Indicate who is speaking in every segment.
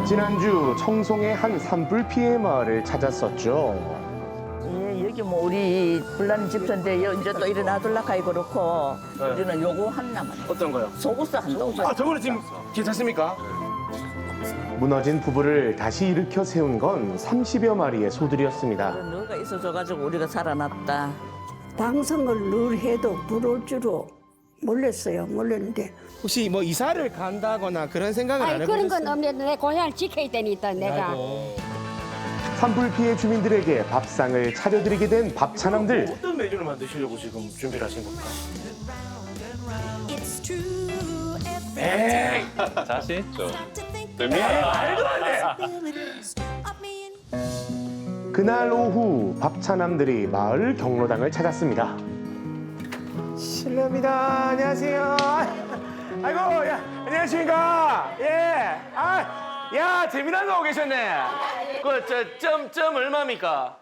Speaker 1: 지난주 청송의 한 산불 피해 마을을 찾았었죠.
Speaker 2: 예, 여기 뭐 우리 불나는 집터인데 이제 또 이래 놔둘라카이 그렇고 우리는 요거 하나만
Speaker 1: 어떤 거요?
Speaker 2: 소구스 한동.
Speaker 1: 아, 저거는 지금 괜찮습니까? 무너진 부부를 다시 일으켜 세운 건 30여 마리의 소들이었습니다.
Speaker 2: 너가 있어줘가지고 우리가 살아났다.
Speaker 3: 방송을 늘 해도 부러울 줄로 몰랐어요. 몰랐는데
Speaker 1: 혹시 뭐 이사를 간다거나 그런 생각을
Speaker 4: 아니 그런 건 없는데 내 고향을 지켜야 되니까 내가.
Speaker 1: 산불 피해 주민들에게 밥상을 차려드리게 된 밥차남들.
Speaker 5: 어떤 메뉴를 만드시려고 지금 준비를 하신 겁니까?
Speaker 6: 자신 있죠.
Speaker 1: 그날 오후 밥차남들이 마을 경로당을 찾았습니다. 실례합니다. 안녕하세요. 아이고, 야, 안녕하십니까. 예. 아, 야, 재미난 거 오고 계셨네. 점 얼마입니까?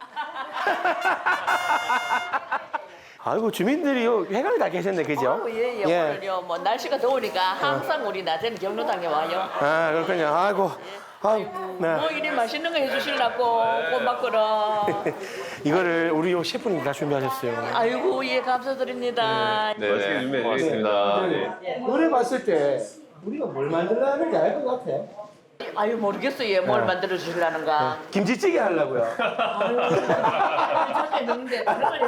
Speaker 1: 아이고, 주민들이 회관에 다 계셨네, 그죠?
Speaker 2: 예, 오늘요 뭐 날씨가 더우니까 항상 우리 낮에는 경로당에 와요.
Speaker 1: 아, 그렇군요. 아이고. 네.
Speaker 2: 뭐 이리 맛있는 거 해주시려고 꼬막거라.
Speaker 1: 이거를 우리 요 셰프님 다 준비하셨어요.
Speaker 2: 아이고 예 감사드립니다.
Speaker 6: 네, 맛있게 준비해드리겠습니다.
Speaker 1: 노래 봤을 때 우리가 뭘 만들려는지 알 것 같아.
Speaker 2: 아유 모르겠어요 뭘 만들어 주시려는가.
Speaker 1: 김치찌개 하려고요.
Speaker 2: 저게 넣는데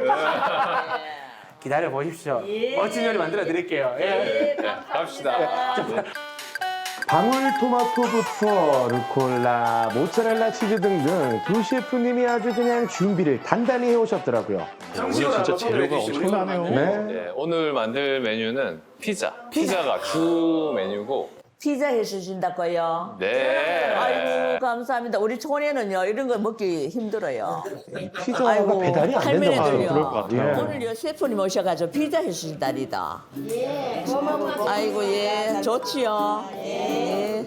Speaker 1: 기다려 보십시오.
Speaker 2: 예.
Speaker 1: 멋진 요리 만들어 드릴게요. 예.
Speaker 6: 갑시다.
Speaker 1: 방울토마토부터 루꼴라, 모짜렐라 치즈 등등 두 셰프님이 아주 그냥 준비를 단단히 해오셨더라고요.
Speaker 6: 오늘 진짜 재료가 엄청나네요.
Speaker 1: 네.
Speaker 6: 네, 오늘 만들 메뉴는 피자. 피자가 주 메뉴고.
Speaker 2: 피자 해주신다고요.
Speaker 6: 네.
Speaker 2: 아이고 감사합니다. 우리 촌에는요 이런 거 먹기 힘들어요.
Speaker 1: 피자가
Speaker 2: 아이고,
Speaker 1: 배달이 안
Speaker 2: 할머니들요.
Speaker 1: 된다고 그럴 것 같아요.
Speaker 2: 오늘요 셰프님 오셔가지고 피자 해주신다니다. 예. 아이고 예 좋지요. 예.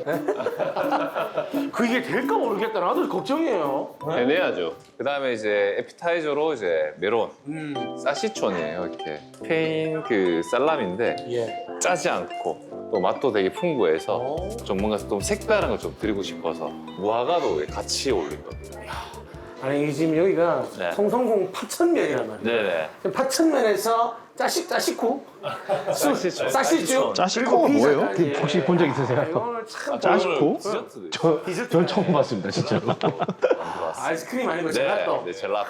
Speaker 1: 그게 될까 모르겠다. 나도 걱정이에요.
Speaker 6: 해내야죠. 그 다음에 이제 에피타이저로 이제 메론. 사시촌이에요, 이렇게. 스페인 그 살람인데
Speaker 1: 예.
Speaker 6: 짜지 않고 또 맛도 되게 풍부해서 좀 뭔가 좀 색다른 걸 좀 드리고 싶어서 무화과도 같이 올린 겁니다.
Speaker 1: 아니 지금 여기가
Speaker 6: 네.
Speaker 1: 성성공 파천면이란 말이에요.
Speaker 6: 네네.
Speaker 1: 파천면에서 짜식구?
Speaker 6: 사시촌.
Speaker 1: 사시주?
Speaker 7: 짜식구가 뭐예요?
Speaker 1: 혹시 본 적 있으세요?
Speaker 7: 아,
Speaker 1: 참
Speaker 7: 짜식구?
Speaker 6: 디저트도 있어요.
Speaker 7: 전 처음 봤습니다, 진짜로.
Speaker 1: 아이스크림 아니고
Speaker 6: 네,
Speaker 1: 젤라또.
Speaker 6: 네, 젤라또.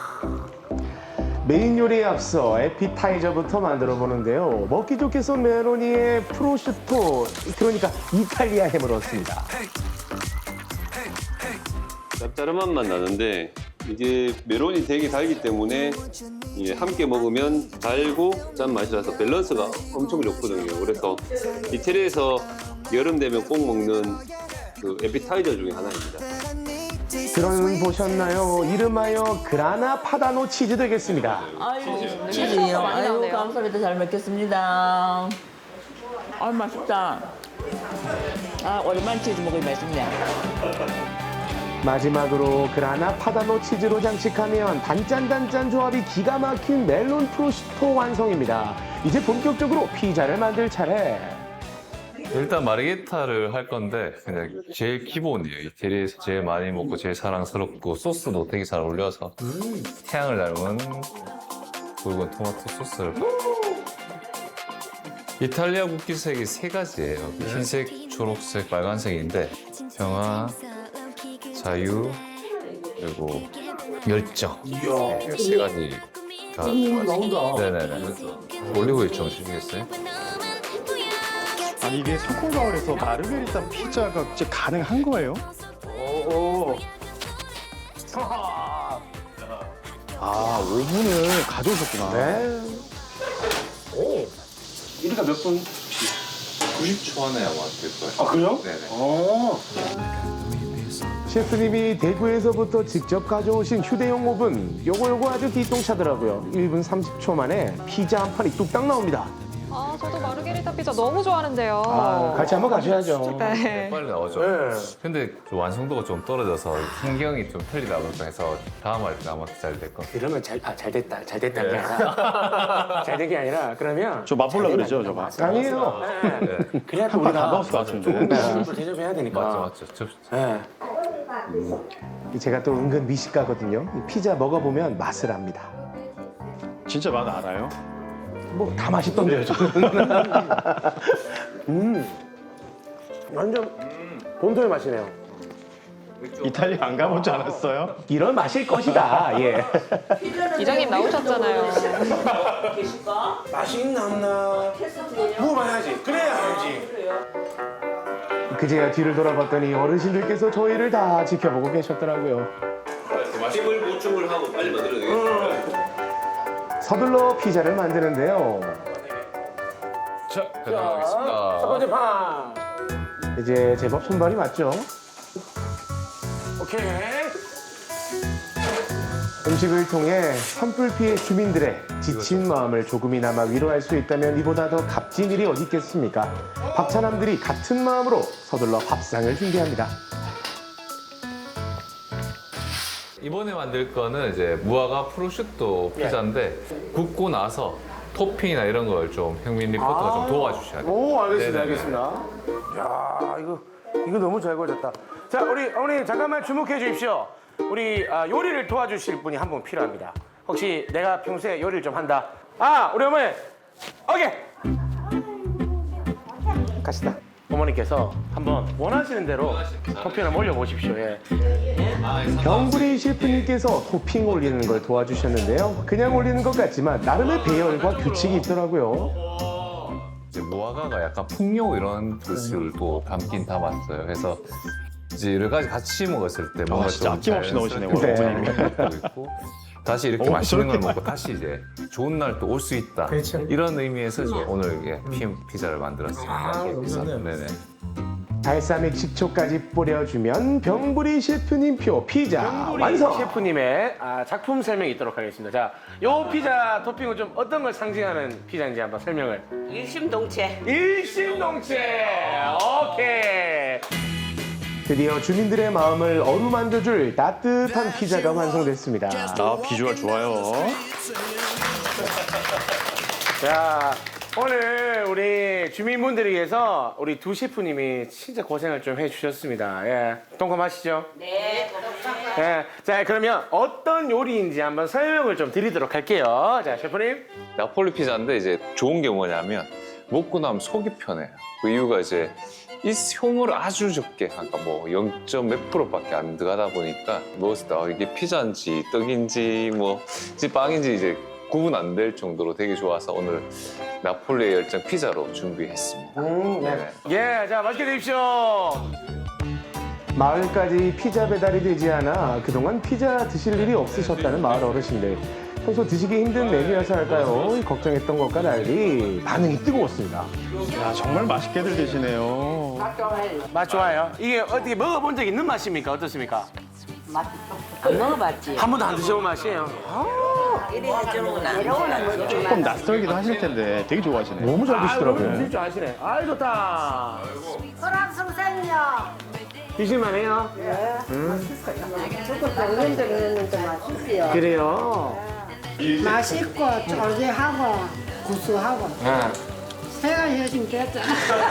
Speaker 1: 메인 요리에 앞서 에피타이저부터 만들어 보는데요. 먹기 좋게 썬 메로니에 프로슈토, 그러니까 이탈리아 햄을 넣었습니다.
Speaker 8: 짭짤한 맛만 나는데 이게 메론이 되게 달기 때문에 이게 함께 먹으면 달고 짠 맛이 나서 밸런스가 엄청 좋거든요. 그래서 이태리에서 여름 되면 꼭 먹는 그 에피타이저 중에 하나입니다.
Speaker 1: 들어보셨나요? 이름하여 그라나 파다노 치즈 되겠습니다.
Speaker 2: 아이고 치즈요. 아이고 감사합니다. 잘 먹겠습니다. 아 맛있다. 아 오랜만에 치즈 먹으니 맛있네.
Speaker 1: 마지막으로 그라나 파다노 치즈로 장식하면 단짠단짠 조합이 기가 막힌 멜론 프로슈토 완성입니다. 이제 본격적으로 피자를 만들 차례.
Speaker 6: 일단 마르게타를 할 건데 그냥 제일 기본이에요. 이태리에서 제일 많이 먹고 제일 사랑스럽고 소스도 되게 잘 어울려서 태양을 닮은 굵은 토마토 소스를 이탈리아 국기색이 세 가지예요. 흰색, 초록색, 빨간색인데 평화, 자유, 그리고 열정. 네, 세 가지가
Speaker 1: 나온다.
Speaker 6: 네네네. 올리브유 좀 주시겠어요?
Speaker 7: 아니, 이게 성콩마을에서 마르게리타 피자가 진짜 가능한 거예요?
Speaker 1: 오.
Speaker 7: 아, 오븐을 가져오셨구나.
Speaker 1: 네. 오. 이리가 몇 분?
Speaker 6: 90초 안에 아마 될 거예요.
Speaker 1: 아, 그래요?
Speaker 6: 네네.
Speaker 1: 셰프님이 대구에서부터 직접 가져오신 휴대용 오븐. 요거 아주 기똥차더라고요. 1분 30초 만에 피자 한 판이 뚝딱 나옵니다.
Speaker 9: 아, 저도 마르게리타 피자 너무 좋아하는데요.
Speaker 1: 같이 한번 가셔야죠.
Speaker 9: 네.
Speaker 6: 빨리 나오죠.
Speaker 1: 네.
Speaker 6: 근데 좀 완성도가 좀 떨어져서 신경이 좀 틀리다 보니까 해서 다음 할 때 아마 잘 될 것 같아요.
Speaker 1: 그러면 잘 됐다 게 아니라 잘 된 게 아니라 그러면
Speaker 7: 저 맛보려 그러죠, 저거.
Speaker 1: 아니에요.
Speaker 6: 네.
Speaker 1: 그래야 또
Speaker 7: 한판
Speaker 1: 우리가
Speaker 7: 가봤을 것 같은데.
Speaker 1: 또 대접해야 되니까.
Speaker 6: 맞죠.
Speaker 1: 네. 제가 또 은근 미식가거든요. 이 피자 먹어보면 맛을 압니다.
Speaker 7: 진짜 맛 알아요?
Speaker 1: 뭐 다 맛있던데요, 저는. 완전 본토의 맛이네요.
Speaker 7: 이탈리아 안 가보지 않았어요?
Speaker 1: 이런 맛일 것이다. 예.
Speaker 9: 이장님 나오셨잖아요.
Speaker 1: 맛이 있나 없나 먹어봐야지. 그래야 알지. 그제야 뒤를 돌아봤더니 어르신들께서 저희를 다 지켜보고 계셨더라고요.
Speaker 8: 힘을 보충을 하고 빨리 만들어야 되겠습니다.
Speaker 1: 서둘러 피자를 만드는데요.
Speaker 6: 자, 가져가겠습니다.
Speaker 1: 첫 번째 판. 이제 제법 손발이 맞죠? 오케이. 음식을 통해 산불 피해 주민들의 지친 마음을 조금이나마 위로할 수 있다면 이보다 더 값진 일이 어디 있겠습니까? 박찬남들이 같은 마음으로 서둘러 밥상을 준비합니다.
Speaker 6: 이번에 만들 거는 이제 무화과 프로슈토 피자인데 굽고 나서 토핑이나 이런 걸 좀 형민 리포터가 좀 도와주셔야 돼요.
Speaker 1: 오, 알겠습니다,
Speaker 6: 네네네.
Speaker 1: 알겠습니다. 야, 이거 너무 잘 구워졌다. 자, 우리 어머니 잠깐만 주목해 주십시오. 우리 요리를 도와주실 분이 한 분 필요합니다. 혹시 내가 평소에 요리를 좀 한다. 우리 어머니, 오케이. 갑시다. 어머니께서 한번 원하시는 대로 토핑을 올려보십시오. 예. 병구리 셰프님께서 토핑 올리는 걸 도와주셨는데요. 그냥 올리는 것 같지만 나름의 배열과 규칙이 있더라고요.
Speaker 6: 이제 무화과가 약간 풍요 이런 뜻을 또 담긴 담았어요. 그래서 이제 여러 가지 같이 먹었을 때 뭔가
Speaker 7: 진짜
Speaker 6: 좀
Speaker 7: 아낌없이 넣으시네요,
Speaker 6: 자연스럽게
Speaker 1: 어머님이.
Speaker 6: 먹고 있고 다시 이렇게 맛있는 걸
Speaker 7: 저렇게
Speaker 6: 먹고 다시 이제 좋은 날 또 올 수 있다. 이런 의미에서 이제 오늘 이게 피자를 만들었습니다. 네네.
Speaker 1: 발사믹 식초까지 뿌려주면 병부리 셰프님표 피자 완성! 셰프님의 작품 설명이 있도록 하겠습니다. 자, 요 피자 토핑은 좀 어떤 걸 상징하는 피자인지 한번 설명을.
Speaker 2: 일심동체.
Speaker 1: 일심동체! 오케이! 드디어 주민들의 마음을 어루만져줄 따뜻한 피자가 완성됐습니다.
Speaker 7: 비주얼 좋아요.
Speaker 1: 자, 오늘 우리 주민분들을 위해서 우리 두 셰프님이 진짜 고생을 좀 해주셨습니다. 예, 동감하시죠?
Speaker 2: 네.
Speaker 1: 예, 자, 그러면 어떤 요리인지 한번 설명을 좀 드리도록 할게요. 자, 셰프님.
Speaker 6: 나폴리 피자인데 이제 좋은 게 뭐냐면 먹고 나면 속이 편해요. 그 이유가 이제 이 효모를 아주 적게, 아까 뭐 0. 몇 %밖에 안 들어가다 보니까 먹었을 때 이게 피자인지 떡인지 뭐 이제 빵인지 이제 구분 안 될 정도로 되게 좋아서 오늘 나폴리의 열정 피자로 준비했습니다.
Speaker 1: 네. 예, 자, 맛있게 드십시오. 마을까지 피자 배달이 되지 않아 그동안 피자 드실 일이 없으셨다는 마을 어르신들. 평소 드시기 힘든 메뉴여서 할까요? 걱정했던 것과 달리 반응이 뜨거웠습니다.
Speaker 7: 야, 정말 맛있게들 드시네요.
Speaker 1: 맛 좋아요. 이게 어떻게 먹어본 적 있는 맛입니까? 어떻습니까?
Speaker 2: 안 먹어봤지.
Speaker 1: 한 번도 안 드셔본 맛이에요.
Speaker 7: 조금 낯설기도 하실 텐데 되게 좋아하시네요.
Speaker 1: 너무 잘 드시더라고요. 드실 줄 아시네. 아이, 좋다.
Speaker 4: 소랑성생이요.
Speaker 1: 드실만해요?
Speaker 4: 조금 쫄깃쫄깃했는데 맛있어요.
Speaker 1: 그래요?
Speaker 3: 맛있고 쫄깃하고 구수하고 새가 해준 됐잖아.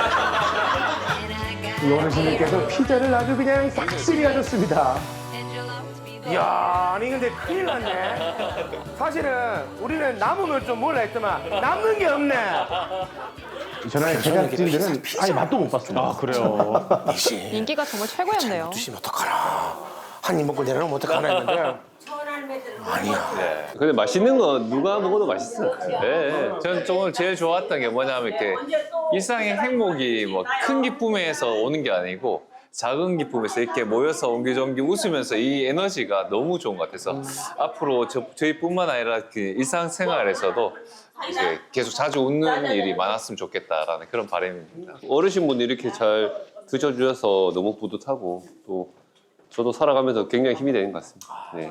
Speaker 1: 이 어르신들께서 피자를 아주 그냥 싹쓸이 하셨습니다. 이야, 아니 근데 큰일 났네. 사실은 우리는 남으면 좀 몰라 했더만 남는 게 없네. 전화의 제작진들은 아예 맛도 못 봤습니다.
Speaker 7: 그래요.
Speaker 9: 인기가 정말 최고였네요.
Speaker 1: 드시면 어떡하나. 한 입 먹고 내려놓으면 어떡하나 했는데. 아니야.
Speaker 8: 근데 맛있는 거 누가 먹어도 맛있어요. 네.
Speaker 6: 저는 오늘 제일 좋았던 게 뭐냐면 이렇게 일상의 행복이 뭐 큰 기쁨에서 오는 게 아니고 작은 기쁨에서 이렇게 모여서 옹기종기 웃으면서 이 에너지가 너무 좋은 것 같아서 앞으로 저희뿐만 아니라 그 일상생활에서도 이제 계속 자주 웃는 일이 많았으면 좋겠다라는 그런 바람입니다.
Speaker 8: 어르신분이 이렇게 잘 드셔주셔서 너무 뿌듯하고 또 저도 살아가면서 굉장히 힘이 되는 것 같습니다. 네.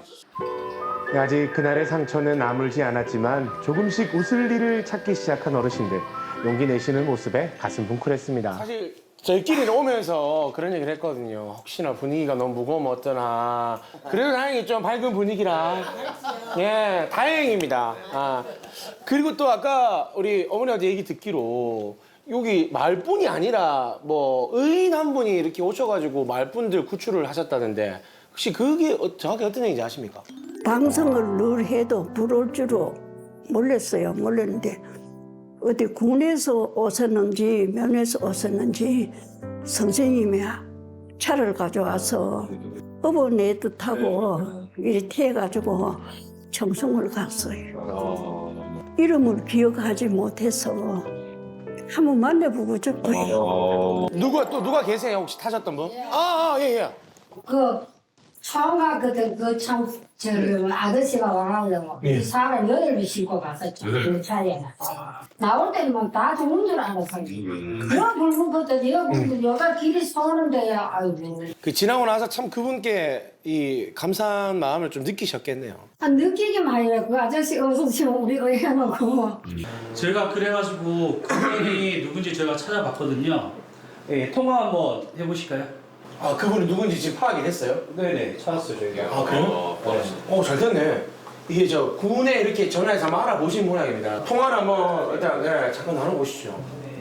Speaker 1: 아직 그날의 상처는 아물지 않았지만 조금씩 웃을 일을 찾기 시작한 어르신들. 용기 내시는 모습에 가슴 뭉클했습니다. 사실 저희끼리 오면서 그런 얘기를 했거든요. 혹시나 분위기가 너무 무거우면 어떠나. 그래도 다행히 좀 밝은 분위기라. 예, 다행입니다. 아, 그리고 또 아까 우리 어머니한테 얘기 듣기로 여기 말뿐이 아니라 뭐 의인 한 분이 이렇게 오셔가지고 말뿐들 구출을 하셨다는데 혹시 그게 정확히 어떤 얘기인지 아십니까?
Speaker 3: 방송을 늘 해도 부러울 줄로 몰랐어요. 몰랐는데 어디 군에서 오셨는지 면에서 오셨는지 선생님이 차를 가져와서 어버네 뜻하고 이렇게 해가지고 청송을 갔어요. 이름을 기억하지 못해서 한번 만나보고 싶어요.
Speaker 1: 누가 계세요? 혹시 타셨던 분? 예.
Speaker 4: 그 처음 갔거든. 그 참 저기 아저씨가 와가지고 사람 8명 싣고 갔었죠. 그 차에. 나올 때는 막 다 죽는 줄 알았어요. 그런 붉은 것도 내가 붉은 여가 길이 서는데 아이고.
Speaker 1: 그 지나고 나서 참 그분께 이 감사한 마음을 좀 느끼셨겠네요.
Speaker 4: 느끼기만 아니라 그 아저씨 없으시면 우리가 해놓고.
Speaker 10: 저희가 그래가지고 그분이 누군지 저희가 찾아봤거든요. 예, 통화 한번 해보실까요?
Speaker 1: 아, 그분이 누군지 지금 파악이 됐어요?
Speaker 10: 네네, 찾았어요 저희가.
Speaker 1: 아, 그래요? 잘 됐네. 이게 저 군에 이렇게 전화해서 한번 알아보신 모양입니다. 통화를 한번 일단 잠깐 나눠보시죠.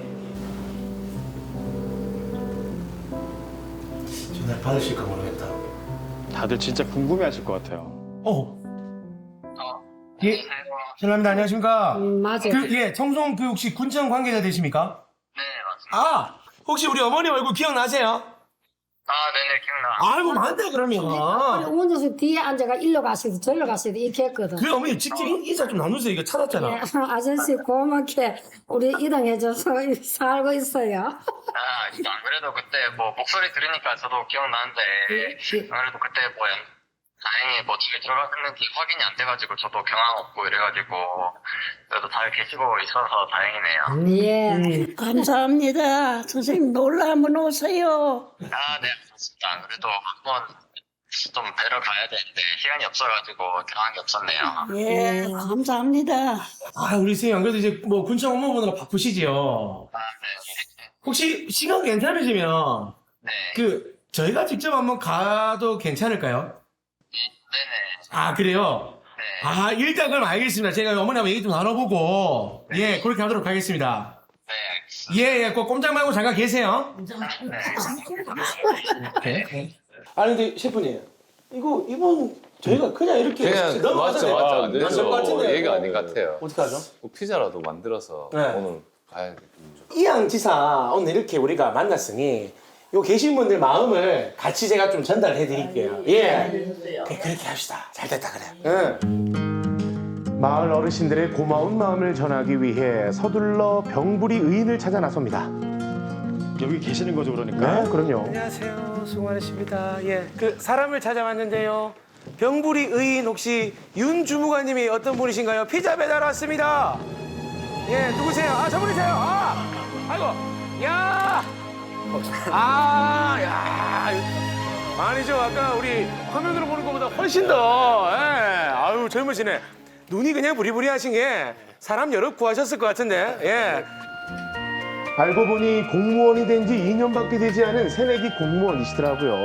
Speaker 1: 전화를 받으실까 모르겠다.
Speaker 7: 다들 진짜 궁금해하실 것 같아요.
Speaker 1: 예, 실례합니다. 안녕하십니까?
Speaker 4: 맞아요.
Speaker 1: 청송 그 혹시 군청 관계자 되십니까? 네, 맞습니다. 혹시 우리 어머니 얼굴 기억나세요?
Speaker 11: 네네, 기억나.
Speaker 1: 아이고, 많다, 그러면.
Speaker 4: 운전수 뒤에 앉아가 일로 가시도 저리로 가시도 이렇게 했거든.
Speaker 1: 그 어머니 직접 인사 좀 나누세요. 이거 찾았잖아.
Speaker 4: 예, 아저씨 고맙게 우리 이동해줘서 살고 있어요.
Speaker 11: 안 그래도 그때 뭐 목소리 들으니까 저도 기억나는데, 안 그래도 그때 뭐 다행히 뭐 잘 들어갔는지 확인이 안 돼가지고 저도 경황 없고 이래가지고 그래도 잘 계시고 있어서 다행이네요.
Speaker 3: 예, 감사합니다. 선생님 놀러 한번 오세요.
Speaker 11: 네, 알겠습니다. 안 그래도 한번 좀 뵈러 가야 되는데 시간이 없어가지고 경황이 없었네요.
Speaker 3: 예, 감사합니다.
Speaker 1: 아, 우리 선생님, 안 그래도 이제 뭐 군청 업무보느라 바쁘시죠?
Speaker 11: 네.
Speaker 1: 혹시 시간 괜찮으시면,
Speaker 11: 네.
Speaker 1: 저희가 직접 한번 가도 괜찮을까요?
Speaker 11: 네네.
Speaker 1: 아, 그래요?
Speaker 11: 네.
Speaker 1: 일단 그럼 알겠습니다. 제가 어머니하고 얘기 좀 나눠보고, 예, 그렇게 하도록 하겠습니다.
Speaker 11: 네, 알겠습니다.
Speaker 1: 꼭 꼼짝 말고 잠깐 계세요. 아니, 근데 셰프님, 이번 저희가 그냥 이렇게
Speaker 6: 그냥
Speaker 1: 넘어가서
Speaker 6: 맞죠. 안
Speaker 1: 될것 같은데.
Speaker 6: 되죠. 얘가 아닌 것 같아요.
Speaker 1: 어떡하죠?
Speaker 6: 피자라도 만들어서
Speaker 1: 네.
Speaker 6: 오늘 가야 돼.
Speaker 1: 이양지사 오늘 이렇게 우리가 만났으니 요 계신 분들 마음을 같이 제가 좀 전달해 드릴게요. 예. 그렇게 합시다. 잘 됐다 그래. 마을 어르신들의 고마운 마음을 전하기 위해 서둘러 병부리 의인을 찾아 나섭니다.
Speaker 7: 여기 계시는 거죠, 그러니까?
Speaker 1: 네, 그럼요. 안녕하세요. 수고 많으십니다. 예. 사람을 찾아왔는데요. 병부리 의인 혹시 윤 주무관님이 어떤 분이신가요? 피자 배달 왔습니다. 예, 누구세요? 저분이세요. 아이고. 야! 아니죠. 아까 우리 화면으로 보는 것보다 훨씬 더, 아유, 젊으시네. 눈이 그냥 부리부리하신 게 사람 여럿 구하셨을 것 같은데, 예. 알고 보니 공무원이 된 지 2년밖에 되지 않은 새내기 공무원이시더라고요.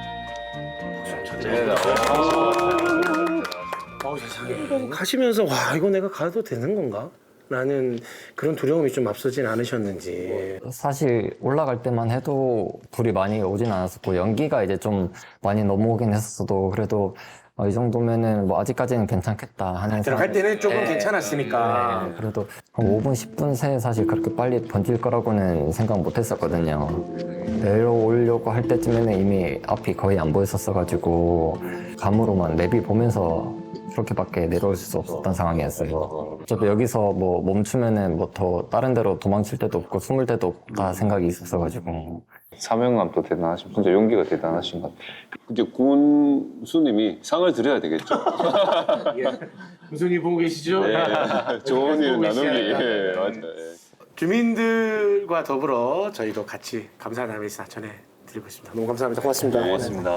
Speaker 1: 세상에. 가시면서, 이거 내가 가도 되는 건가? 라는 그런 두려움이 좀 앞서진 않으셨는지.
Speaker 12: 사실 올라갈 때만 해도 불이 많이 오진 않았었고 연기가 이제 좀 많이 넘어오긴 했었어도 그래도 이 정도면은 뭐 아직까지는 괜찮겠다 하는
Speaker 1: 들어갈 때는 조금 괜찮았으니까.
Speaker 12: 네, 그래도 한 5분 10분 새에 사실 그렇게 빨리 번질 거라고는 생각 못 했었거든요. 내려오려고 할 때쯤에는 이미 앞이 거의 안 보였었어가지고 감으로만 내비 보면서 그렇게밖에 내려올 수 없었던 상황이었어요. 어차피 여기서 뭐 멈추면은 뭐 더 다른 데로 도망칠 데도 없고 숨을 데도 없다 생각이 있었어가지고.
Speaker 8: 사명감도 대단하시고 진짜 용기가 대단하신 것 같아요. 이제 군수님이 상을 드려야 되겠죠.
Speaker 1: 군수님 보고 계시죠?
Speaker 8: 네, 좋은 일
Speaker 1: 보고
Speaker 8: 나누기.
Speaker 1: 계시잖아요.
Speaker 8: 예, 맞아요.
Speaker 1: 주민들과 더불어 저희도 같이 감사의 인사 전해드리고 있습니다. 너무 감사합니다. 고맙습니다.
Speaker 8: 고맙습니다.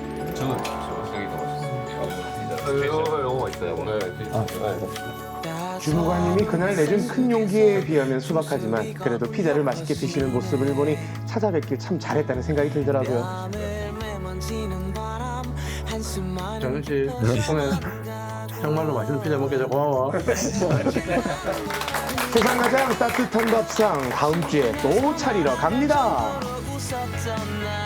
Speaker 6: 저는 저기가 맛있어요. 이거 너무 맛있어요. 네.
Speaker 1: 주무관님이 그날 내준 큰 용기에 비하면 소박하지만 그래도 피자를 맛있게 드시는 모습을 보니 찾아뵙길 참 잘했다는 생각이 들더라고요.
Speaker 5: 정윤 씨 덕분에 정말로 맛있는 피자 먹게 돼서 고마워.
Speaker 1: 세상 가장 따뜻한 밥상 다음 주에 또 차리러 갑니다.